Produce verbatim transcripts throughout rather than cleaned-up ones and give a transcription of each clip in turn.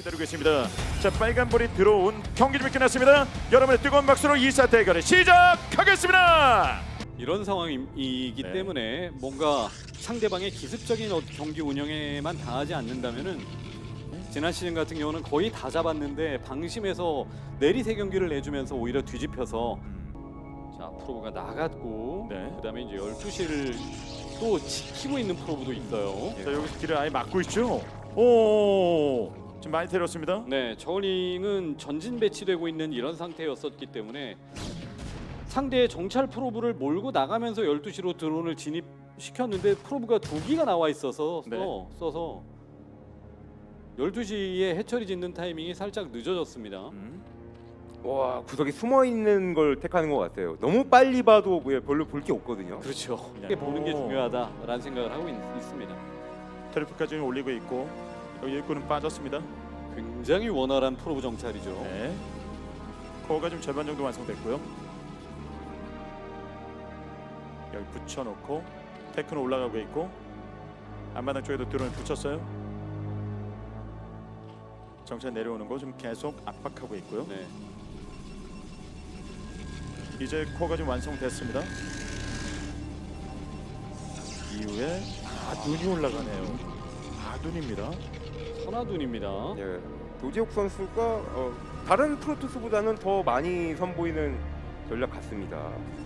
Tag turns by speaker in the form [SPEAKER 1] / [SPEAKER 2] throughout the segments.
[SPEAKER 1] 기다리고 있습니다. 자, 빨간불이 들어온 경기 좀 끝났습니다. 여러분의 뜨거운 박수로 이 사 대결을 시작하겠습니다.
[SPEAKER 2] 이런 상황이기
[SPEAKER 1] 네.
[SPEAKER 2] 때문에 뭔가 상대방의 기습적인 어- 경기 운영에만 당하지 않는다면은 지난 시즌 같은 경우는 거의 다 잡았는데 방심해서 내리세 경기를 내주면서 오히려 뒤집혀서 자 프로브가 나갔고
[SPEAKER 1] 네.
[SPEAKER 2] 그다음에 이제 열두 시를 또 지키고 있는 프로브도 있어요.
[SPEAKER 1] 자, 여기서 길을 아예 막고 있죠. 오, 지금 많이 때렸습니다.
[SPEAKER 2] 네, 저울링은 전진 배치되고 있는 이런 상태였었기 때문에 상대의 정찰 프로브를 몰고 나가면서 열두 시로 드론을 진입시켰는데 프로브가 두 기가 나와 있어서
[SPEAKER 1] 네.
[SPEAKER 2] 써, 써서 열두 시에 해처리 짓는 타이밍이 살짝 늦어졌습니다.
[SPEAKER 1] 음.
[SPEAKER 3] 와 구석에 숨어 있는 걸 택하는 것 같아요. 너무 빨리 봐도 뭐 별로 볼 게 없거든요.
[SPEAKER 2] 그렇죠. 이렇게 보는 게
[SPEAKER 1] 오.
[SPEAKER 2] 중요하다라는 생각을 하고 있, 있습니다.
[SPEAKER 1] 트리플까지 올리고 있고 여기 일꾼은 빠졌습니다.
[SPEAKER 2] 굉장히 원활한 프로브 정찰이죠.
[SPEAKER 1] 네. 코어가 좀 절반 정도 완성됐고요. 여기 붙여놓고 테크는 올라가고 있고 앞마당 쪽에도 드론을 붙였어요. 정찰 내려오는 거 좀 계속 압박하고 있고요.
[SPEAKER 2] 네.
[SPEAKER 1] 이제 코어가 좀 완성됐습니다. 이후에 아둔이 올라가네요. 아둔입니다.
[SPEAKER 2] 선화둔입니다.
[SPEAKER 3] 예, 도지욱 선수가 어, 다른 프로토스보다는 더 많이 선보이는 전략 같습니다.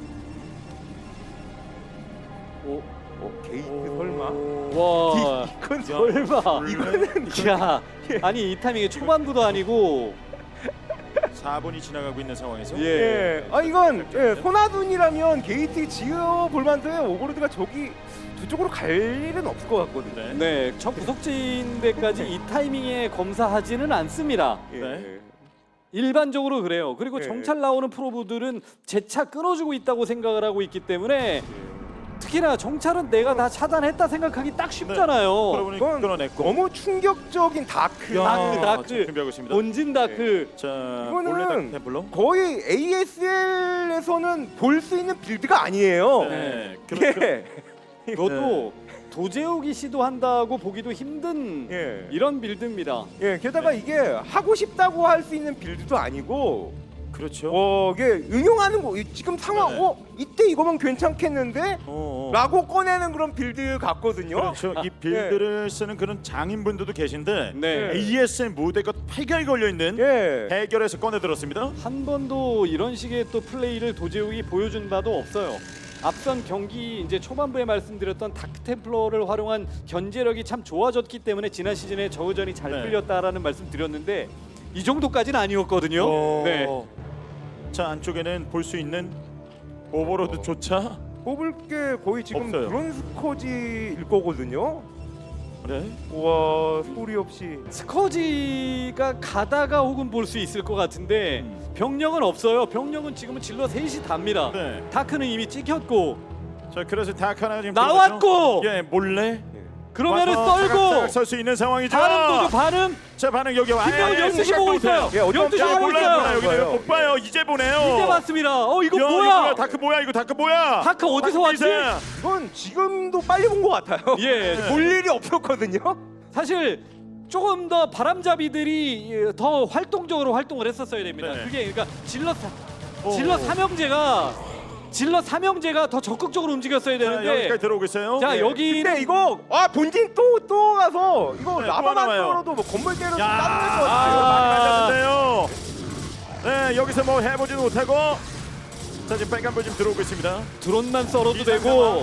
[SPEAKER 2] 오,
[SPEAKER 3] 어, 게이트 설마?
[SPEAKER 2] 와,
[SPEAKER 3] 이건
[SPEAKER 2] 설마.
[SPEAKER 1] 이거는
[SPEAKER 2] 야, 아니 이 타이밍에 초반부도 아니고
[SPEAKER 1] 사 분이 지나가고 있는 상황에서
[SPEAKER 2] 예.
[SPEAKER 3] 예, 아 이건 예, 소나둔이라면 게이트 지어 볼 만한데 오버로드가 저기 두 쪽으로 갈 일은 없을 것 같거든요.
[SPEAKER 1] 네.
[SPEAKER 2] 네, 첫 구석진대까지 이 타이밍에 검사하지는 않습니다.
[SPEAKER 3] 예,
[SPEAKER 1] 네.
[SPEAKER 2] 일반적으로 그래요. 그리고
[SPEAKER 3] 예.
[SPEAKER 2] 정찰 나오는 프로브들은 재차 끊어주고 있다고 생각을 하고 있기 때문에
[SPEAKER 3] 예.
[SPEAKER 2] 특히나 정찰은 내가 다 차단했다 생각하기 딱 쉽잖아요.
[SPEAKER 1] 여러분이
[SPEAKER 3] 이건
[SPEAKER 1] 끊어냈고
[SPEAKER 3] 너무 충격적인 다크.
[SPEAKER 1] 야,
[SPEAKER 2] 다크, 다크.
[SPEAKER 1] 지금 준비하고 있습니다.
[SPEAKER 2] 본진 다크.
[SPEAKER 1] 자,
[SPEAKER 3] 이거는
[SPEAKER 1] 몰래 다크 템플러.
[SPEAKER 3] 거의 에이에스엘에서는 볼 수 있는 빌드가 아니에요.
[SPEAKER 1] 네. 그렇죠.
[SPEAKER 3] 예.
[SPEAKER 2] 이것도 도제욱이 시도한다고 보기도 힘든
[SPEAKER 3] 예.
[SPEAKER 2] 이런 빌드입니다.
[SPEAKER 3] 예, 게다가 이게 하고 싶다고 할 수 있는 빌드도 아니고,
[SPEAKER 1] 그렇죠.
[SPEAKER 3] 어, 이게 응용하는 거, 이- 지금 상황,
[SPEAKER 1] 네.
[SPEAKER 3] 어, 이때 이거면 괜찮겠는데?
[SPEAKER 1] 어, 어.
[SPEAKER 3] 라고 꺼내는 그런 빌드 같거든요.
[SPEAKER 1] 그렇죠. 이 빌드를 쓰는 그런 장인분들도 계신데
[SPEAKER 2] 네.
[SPEAKER 1] 에이에스엘 무대가 팔각이 걸려 있는
[SPEAKER 3] 예.
[SPEAKER 1] 해결해서 꺼내 들었습니다.
[SPEAKER 2] 한 번도 이런 식의 또 플레이를 도제욱이 보여준 바도 없어요. 앞선 경기 이제 초반부에 말씀드렸던 다크템플러를 활용한 견제력이 참 좋아졌기 때문에 지난 시즌에 저우전이 잘
[SPEAKER 1] 네.
[SPEAKER 2] 풀렸다라는 말씀 드렸는데 이 정도까지는 아니었거든요.
[SPEAKER 1] 오.
[SPEAKER 2] 네.
[SPEAKER 1] 자, 안쪽에는 볼 수 있는 오버로드조차
[SPEAKER 3] 뽑을 게 거의 지금
[SPEAKER 1] 없어요.
[SPEAKER 3] 드론 스커지일 거거든요.
[SPEAKER 1] 네.
[SPEAKER 3] 와, 소리 없이.
[SPEAKER 2] 스커지가 가다가 혹은 볼 수 있을 것 같은데
[SPEAKER 1] 음.
[SPEAKER 2] 병력은 없어요. 병력은 지금은 질러 셋이 답니다.
[SPEAKER 1] 네.
[SPEAKER 2] 다크는 이미 찍혔고
[SPEAKER 1] 자, 그래서 다크 하나 지금
[SPEAKER 2] 나왔고!
[SPEAKER 1] 들어갔죠? 예, 몰래
[SPEAKER 2] 그러면은
[SPEAKER 1] 와서
[SPEAKER 2] 썰고
[SPEAKER 1] 설수 있는 상황이죠.
[SPEAKER 2] 반응 보죠 반응.
[SPEAKER 1] 자, 반응 여기 와.
[SPEAKER 2] 김명훈
[SPEAKER 1] 아예
[SPEAKER 2] 열두 시
[SPEAKER 1] 생각도
[SPEAKER 2] 보고
[SPEAKER 1] 못해요.
[SPEAKER 2] 있어요.
[SPEAKER 3] 예, 어떤
[SPEAKER 2] 열두 시
[SPEAKER 3] 야,
[SPEAKER 2] 보고
[SPEAKER 1] 몰라요,
[SPEAKER 2] 있어요.
[SPEAKER 1] 몰라요. 여기
[SPEAKER 3] 있어요.
[SPEAKER 1] 못 봐요. 이제 보네요.
[SPEAKER 2] 이제 봤습니다. 어 이거
[SPEAKER 1] 야, 이거
[SPEAKER 2] 뭐야?
[SPEAKER 1] 다크 뭐야? 이거 다크 뭐야?
[SPEAKER 2] 다크 어디서 왔지?
[SPEAKER 1] 이상.
[SPEAKER 3] 이건 지금도 빨리 본 것 같아요.
[SPEAKER 2] 예,
[SPEAKER 3] 볼 일이 없었거든요.
[SPEAKER 2] 사실 조금 더 바람잡이들이 예, 더 활동적으로 활동을 했었어야 됩니다.
[SPEAKER 1] 네.
[SPEAKER 2] 그게 그러니까 질럿
[SPEAKER 1] 오.
[SPEAKER 2] 질럿 삼형제가 질럿 삼형제가 더 적극적으로 움직였어야
[SPEAKER 1] 자,
[SPEAKER 2] 되는데
[SPEAKER 1] 여기까지 들어오고 있어요.
[SPEAKER 2] 자
[SPEAKER 3] 예.
[SPEAKER 2] 여기는
[SPEAKER 3] 근데 이거 아 본진 또 또 가서 이거
[SPEAKER 1] 네,
[SPEAKER 3] 라바만
[SPEAKER 1] 또 나와요.
[SPEAKER 3] 떨어도 뭐 건물 때려서
[SPEAKER 1] 야,
[SPEAKER 3] 따는 것
[SPEAKER 1] 아,
[SPEAKER 3] 같아요.
[SPEAKER 1] 많이 맞았는데요. 네, 여기서 뭐 해보지도 못하고 자, 지금 빨간불 지금 들어오고 있습니다.
[SPEAKER 2] 드론만 썰어도
[SPEAKER 1] 이상
[SPEAKER 2] 되고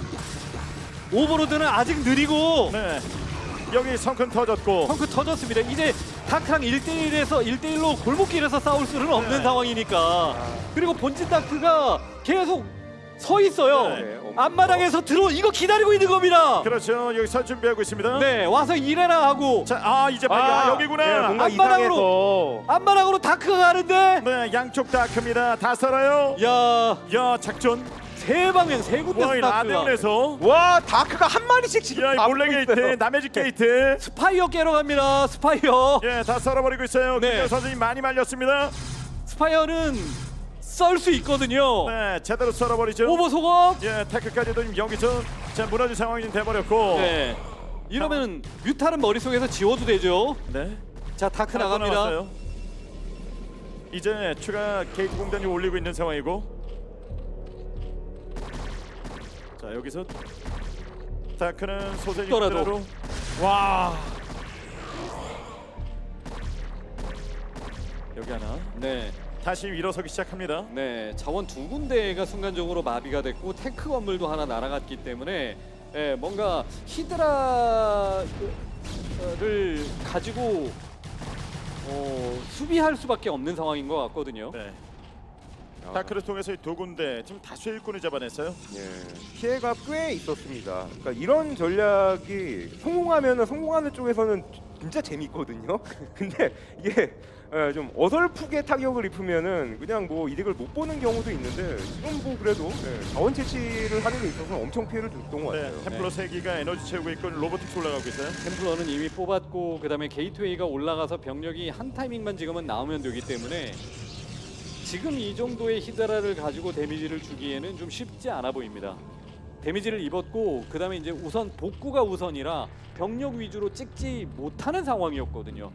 [SPEAKER 2] 오버로드는 아직 느리고
[SPEAKER 1] 네, 여기 성큰 터졌고
[SPEAKER 2] 펑크 터졌습니다. 이제 다크랑 일 대일에서 일 대일로 골목길에서 싸울 수는 없는
[SPEAKER 1] 네.
[SPEAKER 2] 상황이니까. 그리고 본진 다크가 계속 서 있어요.
[SPEAKER 1] 네.
[SPEAKER 2] 앞마당에서 들어 이거 기다리고 있는 겁니다.
[SPEAKER 1] 그렇죠. 여기 설 준비하고 있습니다.
[SPEAKER 2] 네, 와서 일해라 하고
[SPEAKER 1] 자, 아 이제 빨리 아, 여기구나.
[SPEAKER 3] 예, 뭔가
[SPEAKER 2] 앞마당으로.
[SPEAKER 3] 이상해서
[SPEAKER 2] 앞마당으로 다크가 가는데
[SPEAKER 1] 네, 양쪽 다크입니다. 다 썰어요.
[SPEAKER 2] 야,
[SPEAKER 1] 야, 작전.
[SPEAKER 2] 세 방향 세 군데서
[SPEAKER 1] 와, 이
[SPEAKER 2] 다크가.
[SPEAKER 1] 라데온에서.
[SPEAKER 3] 와 다크가 한 마리씩 지금
[SPEAKER 1] 야, 이
[SPEAKER 3] 다
[SPEAKER 1] 몰래
[SPEAKER 3] 붙고
[SPEAKER 1] 게이트,
[SPEAKER 3] 있어요.
[SPEAKER 1] 남의 집 게이트.
[SPEAKER 2] 스파이어 깨러 갑니다. 스파이어.
[SPEAKER 1] 예, 다 썰어버리고 있어요.
[SPEAKER 2] 네.
[SPEAKER 1] 김현 선수님 많이 말렸습니다.
[SPEAKER 2] 스파이어는 썰 수 있거든요.
[SPEAKER 1] 네, 제대로 썰어버리죠.
[SPEAKER 2] 오버 속업.
[SPEAKER 1] 예, 태클까지도 지금 여기서 자 무너진 상황이 좀 돼버렸고.
[SPEAKER 2] 네. 이러면 뮤탈은 머릿속에서 지워도 되죠.
[SPEAKER 1] 네.
[SPEAKER 2] 자 다크
[SPEAKER 1] 하나 더
[SPEAKER 2] 나갑니다.
[SPEAKER 1] 나왔어요. 이제 추가 게이트 공단이 올리고 있는 상황이고, 자 여기서 다크는 소세
[SPEAKER 2] 더라도.
[SPEAKER 1] 육대로 와 여기 하나
[SPEAKER 2] 네.
[SPEAKER 1] 다시 일어서기 시작합니다.
[SPEAKER 2] 네, 자원 두 군데가 순간적으로 마비가 됐고 테크 건물도 하나 날아갔기 때문에 예, 뭔가 히드라를 가지고 어, 수비할 수밖에 없는 상황인 것 같거든요.
[SPEAKER 1] 네.
[SPEAKER 3] 아,
[SPEAKER 1] 다크를 통해서 이 두 군데 지금 다수 일꾼을 잡아냈어요.
[SPEAKER 3] 예, 피해가 꽤 있었습니다. 그러니까 이런 전략이 성공하면 성공하는 쪽에서는 진짜 재밌거든요. 근데 이게 예, 좀 어설프게 타격을 입으면은 그냥 뭐 이득을 못 보는 경우도 있는데 지금 뭐 그래도 예, 자원 채취를 하는 데 있어서 엄청 피해를 줬던 것
[SPEAKER 1] 네,
[SPEAKER 3] 같아요.
[SPEAKER 1] 템플러 세 기가 에너지 채우고 있고 로보틱스 올라가고 있어요.
[SPEAKER 2] 템플러는 이미 뽑았고 그다음에 게이트웨이가 올라가서 병력이 한 타이밍만 지금은 나오면 되기 때문에 지금 이 정도의 히드라를 가지고 데미지를 주기에는 좀 쉽지 않아 보입니다. 데미지를 입었고 그다음에 이제 우선 복구가 우선이라 병력 위주로 찍지 못하는 상황이었거든요.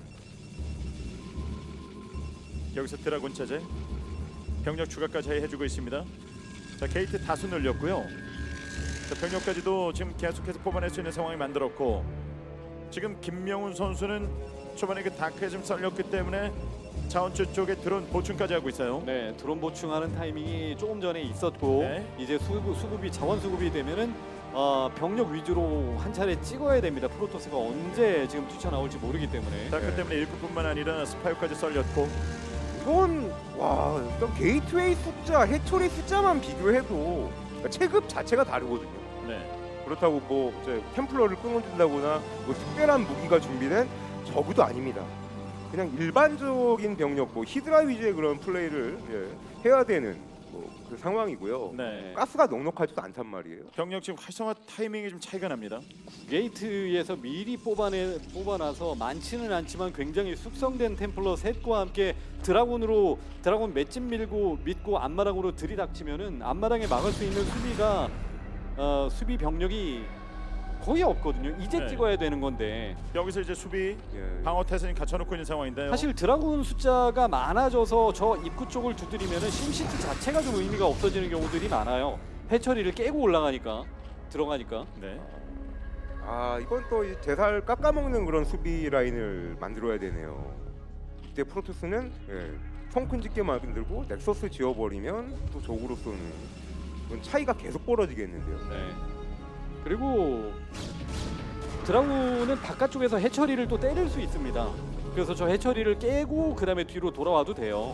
[SPEAKER 1] 여기서 드라곤 체제 병력 추가까지 해주고 있습니다. 자 게이트 다수 늘렸고요. 자, 병력까지도 지금 계속해서 뽑아낼 수 있는 상황이 만들었고, 지금 김명훈 선수는 초반에 그 다크에 좀 썰렸기 때문에 자원줄 쪽에 드론 보충까지 하고 있어요.
[SPEAKER 2] 네, 드론 보충하는 타이밍이 조금 전에 있었고
[SPEAKER 1] 네.
[SPEAKER 2] 이제 수급, 수급이 자원 수급이 되면은 어, 병력 위주로 한 차례 찍어야 됩니다. 프로토스가 언제 지금 뛰쳐나올지 모르기 때문에.
[SPEAKER 1] 다크
[SPEAKER 3] 네.
[SPEAKER 1] 때문에 일꾼뿐만 아니라 스파이까지 썰렸고,
[SPEAKER 3] 이건 와 일단 게이트웨이 숫자, 해처리 숫자만 비교해도 그러니까 체급 자체가 다르거든요.
[SPEAKER 1] 네.
[SPEAKER 3] 그렇다고 뭐 이제 템플러를 끊어준다거나 뭐 특별한 무기가 준비된 저그도 아닙니다. 그냥 일반적인 병력, 뭐 히드라 위주의 그런 플레이를 예, 해야 되는 뭐 그 상황이고요.
[SPEAKER 1] 네.
[SPEAKER 3] 가스가 넉넉하지도 않단 말이에요.
[SPEAKER 1] 병력 지금 활성화 타이밍이 좀 차이가 납니다.
[SPEAKER 2] 게이트에서 미리 뽑아내 뽑아놔서 많지는 않지만 굉장히 숙성된 템플러 셋과 함께 드라곤으로 드라곤 맷집 밀고 믿고 앞마당으로 들이닥치면은 앞마당에 막을 수 있는 수비가 어, 수비 병력이 거의 없거든요. 이제
[SPEAKER 1] 네.
[SPEAKER 2] 찍어야 되는 건데
[SPEAKER 1] 여기서 이제 수비
[SPEAKER 3] 예.
[SPEAKER 1] 방어 태세는 갖춰놓고 있는 상황인데요.
[SPEAKER 2] 사실 드라군 숫자가 많아져서 저 입구 쪽을 두드리면은 심시티 자체가 좀 의미가 없어지는 경우들이 많아요. 해처리를 깨고 올라가니까 들어가니까.
[SPEAKER 1] 네.
[SPEAKER 3] 아 이건 또 이 제살 깎아먹는 그런 수비 라인을 만들어야 되네요. 이때 프로토스는 예, 성큰 짓게 만들고 넥서스 지어버리면 또 적으로서는 그건 차이가 계속 벌어지겠는데요.
[SPEAKER 2] 네. 그리고 드라군은 바깥쪽에서 해처리를 또 때릴 수 있습니다. 그래서 저 해처리를 깨고 그 다음에 뒤로 돌아와도 돼요.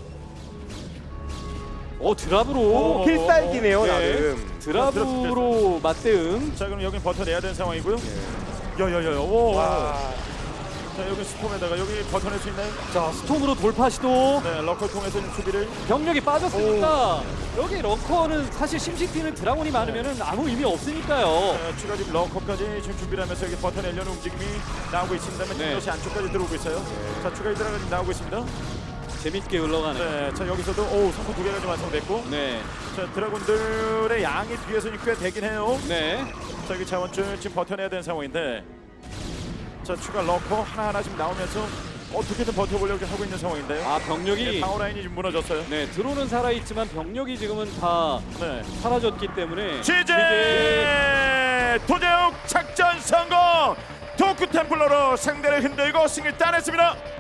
[SPEAKER 2] 어 드랍으로
[SPEAKER 1] 오,
[SPEAKER 3] 필살기네요
[SPEAKER 2] 네.
[SPEAKER 3] 나름.
[SPEAKER 2] 드랍으로 맞대응.
[SPEAKER 1] 자 그럼 여기 버텨내야 되는 상황이고요.
[SPEAKER 3] 예.
[SPEAKER 1] 야야야. 오.
[SPEAKER 3] 와.
[SPEAKER 1] 자 여기 스톰에다가 여기 버텨낼 수 있나요?
[SPEAKER 2] 자 스톰으로 돌파 시도.
[SPEAKER 1] 네. 러커 통해서 좀 수비를.
[SPEAKER 2] 병력이 빠졌으니까 여기 러커는 사실 심시티는 드라곤이 많으면은 아무 의미 없으니까요.
[SPEAKER 1] 자, 추가 지금 러커까지 지금 준비를 하면서 여기 버텨내려는 움직임이 나오고 있습니다만
[SPEAKER 2] 네.
[SPEAKER 1] 이것이 안쪽까지 들어오고 있어요. 자 추가 히드라가 지금 나오고 있습니다.
[SPEAKER 2] 재밌게 흘러가네.
[SPEAKER 1] 네. 자 여기서도 오 성공 두 개가 좀 완성됐고.
[SPEAKER 2] 네,
[SPEAKER 1] 자 드라군들의 양이 뒤에서는 꽤 되긴 해요.
[SPEAKER 2] 네.
[SPEAKER 1] 자 여기 자원줄 지금 버텨내야 되는 상황인데, 자 추가 러커 하나하나 지금 나오면서 어떻게든 버텨보려고 하고 있는 상황인데요.
[SPEAKER 2] 아
[SPEAKER 1] 네,
[SPEAKER 2] 병력이
[SPEAKER 1] 방어 라인이 지금 무너졌어요.
[SPEAKER 2] 네 드론은 살아있지만 병력이 지금은 다
[SPEAKER 1] 네.
[SPEAKER 2] 사라졌기 때문에
[SPEAKER 1] 지제 도제욱 작전 성공. 도크 템플러로 상대를 흔들고 승리를 따냈습니다.